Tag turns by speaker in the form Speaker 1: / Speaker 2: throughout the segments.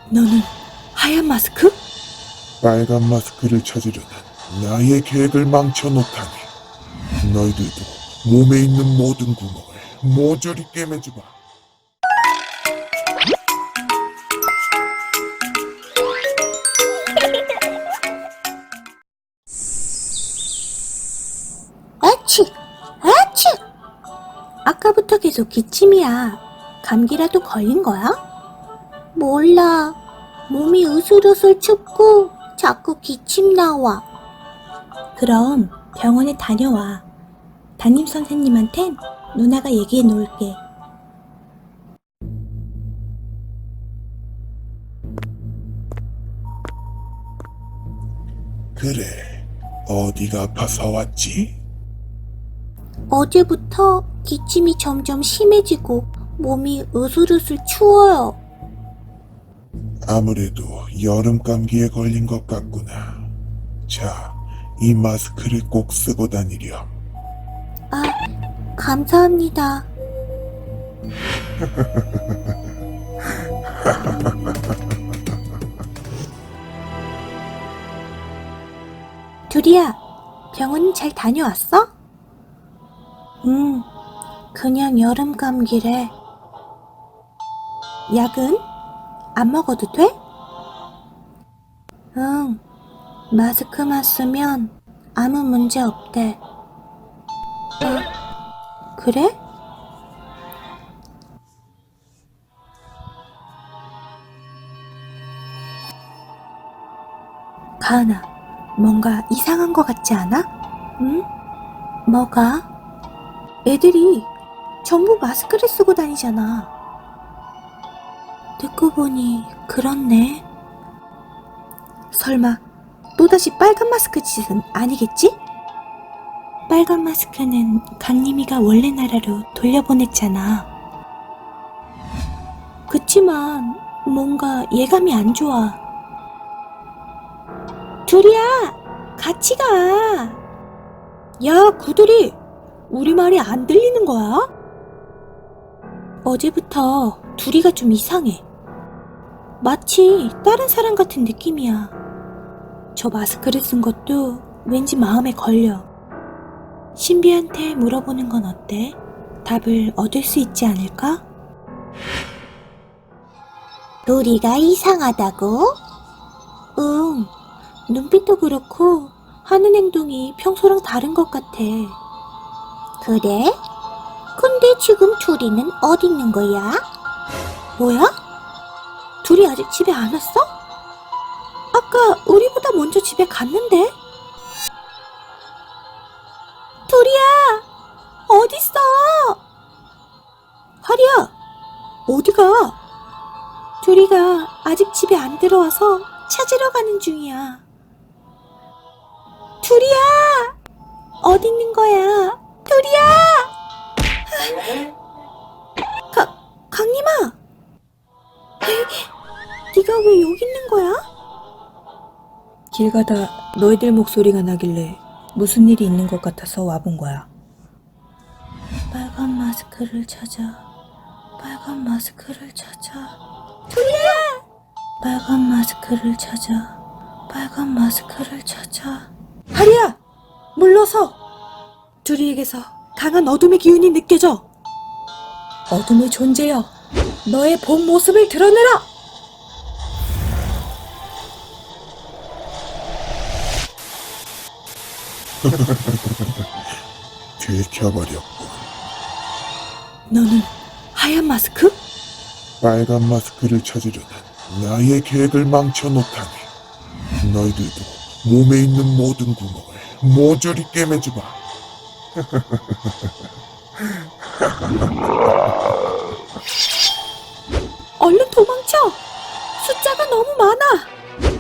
Speaker 1: 너는 하얀 마스크?
Speaker 2: 빨간 마스크를 찾으려는 나의 계획을 망쳐놓다니. 너희들도 몸에 있는 모든 구멍을 모조리 꿰매주마.
Speaker 1: 아치! 아치! 아까부터 계속 기침이야. 감기라도 걸린 거야? 몰라. 몸이 으슬으슬 춥고 자꾸 기침 나와. 그럼 병원에 다녀와. 담임 선생님한텐 누나가 얘기해 놓을게.
Speaker 2: 그래, 어디가 아파서 왔지?
Speaker 1: 어제부터 기침이 점점 심해지고 몸이 으슬으슬 추워요.
Speaker 2: 아무래도 여름 감기에 걸린 것 같구나. 자, 이 마스크를 꼭 쓰고 다니렴.
Speaker 1: 아, 감사합니다. 둘이야, 병원 잘 다녀왔어? 그냥 여름 감기래. 약은 안 먹어도 돼? 응, 마스크만 쓰면 아무 문제 없대. 아, 그래? 가은아, 뭔가 이상한 거 같지 않아? 응? 뭐가? 애들이 전부 마스크를 쓰고 다니잖아. 듣고 보니 그렇네. 설마 또다시 빨간 마스크 짓은 아니겠지? 빨간 마스크는 강림이가 원래 나라로 돌려보냈잖아. 그치만 뭔가 예감이 안 좋아. 둘이야, 같이 가. 야, 구들이, 우리 말이 안 들리는 거야? 어제부터 둘이가 좀 이상해. 마치 다른 사람 같은 느낌이야. 저 마스크를 쓴 것도 왠지 마음에 걸려. 신비한테 물어보는 건 어때? 답을 얻을 수 있지 않을까? 둘이가 이상하다고? 응, 눈빛도 그렇고 하는 행동이 평소랑 다른 것 같아. 그래? 근데 지금 둘이는 어디 있는 거야? 뭐야? 둘이 아직 집에 안 왔어? 아까 우리보다 먼저 집에 갔는데? 둘이야! 어딨어? 하리야! 어디가? 둘이가 아직 집에 안 들어와서 찾으러 가는 중이야. 둘이야! 어디 있는 거야? 둘이야! 강림아! 네가 왜 여기 있는 거야?
Speaker 3: 길 가다 너희들 목소리가 나길래 무슨 일이 있는 것 같아서 와본 거야.
Speaker 1: 빨간 마스크를 찾아. 빨간 마스크를 찾아. 둘이야! 빨간 마스크를 찾아. 빨간 마스크를 찾아.
Speaker 3: 하리야! 물러서! 둘이에게서 강한 어둠의 기운이 느껴져. 어둠의 존재여, 너의 본 모습을 드러내라!
Speaker 2: 들켜버렸군.
Speaker 1: 너는 하얀 마스크?
Speaker 2: 빨간 마스크를 찾으려는 나의 계획을 망쳐놓다니. 너희들도 몸에 있는 모든 구멍을 모조리 꿰매주마.
Speaker 1: 얼른 도망쳐! 숫자가 너무 많아!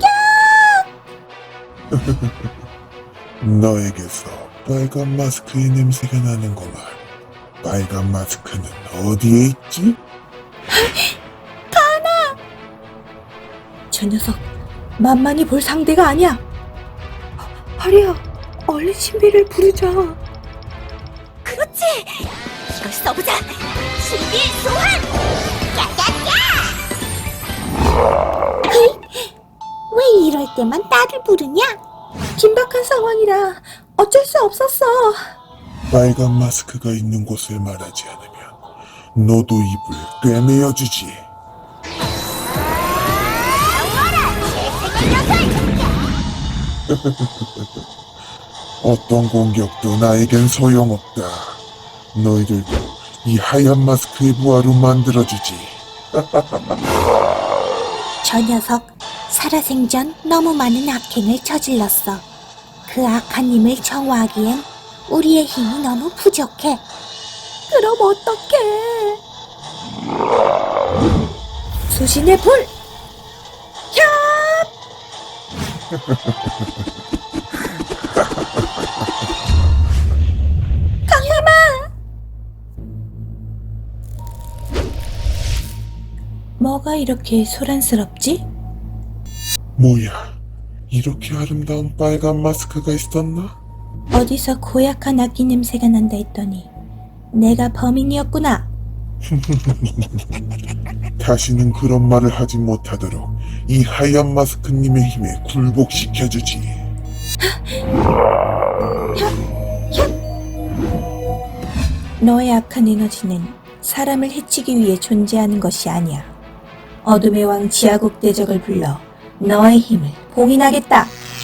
Speaker 2: 너에게서 빨간 마스크의 냄새가 나는구만. 빨간 마스크는 어디에 있지?
Speaker 3: 저 녀석 만만히 볼 상대가 아니야.
Speaker 1: 하리야, 얼른 신비를 부르자.
Speaker 4: 그렇지! 이걸 써보자! 신비 소환! 야야야!
Speaker 1: 때만 딸을 부르냐?
Speaker 3: 긴박한 상황이라 어쩔 수 없었어.
Speaker 2: 빨간 마스크가 있는 곳을 말하지 않으면 너도 입을 꿰매어주지. 어떤 공격도 나에겐 소용없다. 너희들도 이 하얀 마스크의 부하로 만들어주지.
Speaker 1: 저 녀석 살아생전 너무 많은 악행을 저질렀어. 그 악한 힘을 정화하기엔 우리의 힘이 너무 부족해. 그럼 어떡해?
Speaker 3: 수신의 불!
Speaker 1: 뭐가 이렇게 소란스럽지?
Speaker 2: 뭐야, 이렇게 아름다운 빨간 마스크가 있었나?
Speaker 1: 어디서 고약한 악기 냄새가 난다 했더니 내가 범인이었구나.
Speaker 2: 다시는 그런 말을 하지 못하도록 이 하얀 마스크님의 힘에 굴복시켜주지.
Speaker 1: 너의 악한 에너지는 사람을 해치기 위해 존재하는 것이 아니야. 어둠의 왕 지하국 대적을 불러 너의 힘을 봉인하겠다.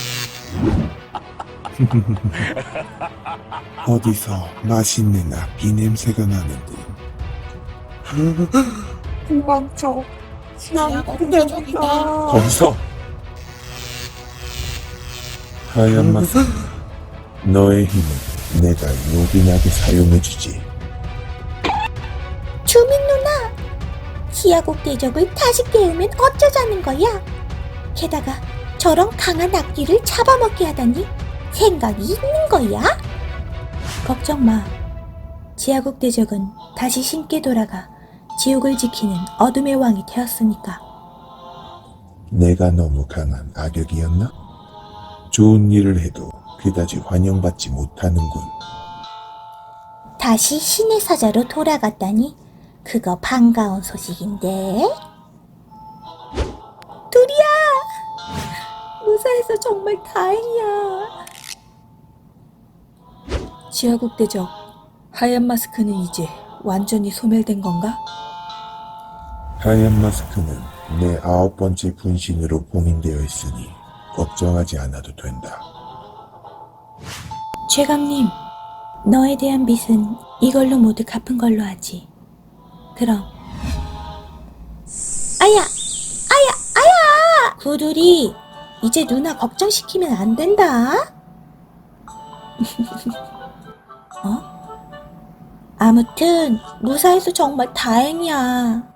Speaker 2: 어디서 맛있는 악기 냄새가 나는군. 도망쳐. 거기서 하얀 마스크, 너의 힘을 내가 요긴하게 사용해주지.
Speaker 1: 주민 누나, 지하국 대적을 다시 깨우면 어쩌자는 거야? 게다가 저런 강한 악기를 잡아먹게 하다니 생각이 있는 거야? 걱정 마. 지하국 대적은 다시 신께 돌아가 지옥을 지키는 어둠의 왕이 되었으니까.
Speaker 2: 내가 너무 강한 악역이었나? 좋은 일을 해도 그다지 환영받지 못하는군.
Speaker 1: 다시 신의 사자로 돌아갔다니 그거 반가운 소식인데. 둘이야! 무사해서 정말 다행이야.
Speaker 3: 지하국 대적, 하얀 마스크는 이제 완전히 소멸된 건가?
Speaker 2: 하얀 마스크는 내 9번째 분신으로 봉인되어 있으니 걱정하지 않아도 된다.
Speaker 1: 최강님, 너에 대한 빚은 이걸로 모두 갚은 걸로 하지. 그럼. 아야! 아야! 아야! 구두리, 이제 누나 걱정시키면 안 된다. 어? 아무튼 무사해서 정말 다행이야.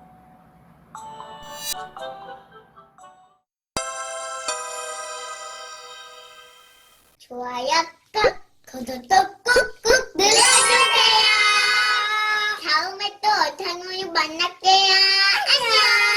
Speaker 4: 좋아요 꾹, 구독도 꾹꾹 눌러주세요. 다음에 또 어탕으로 만날게요. 안녕.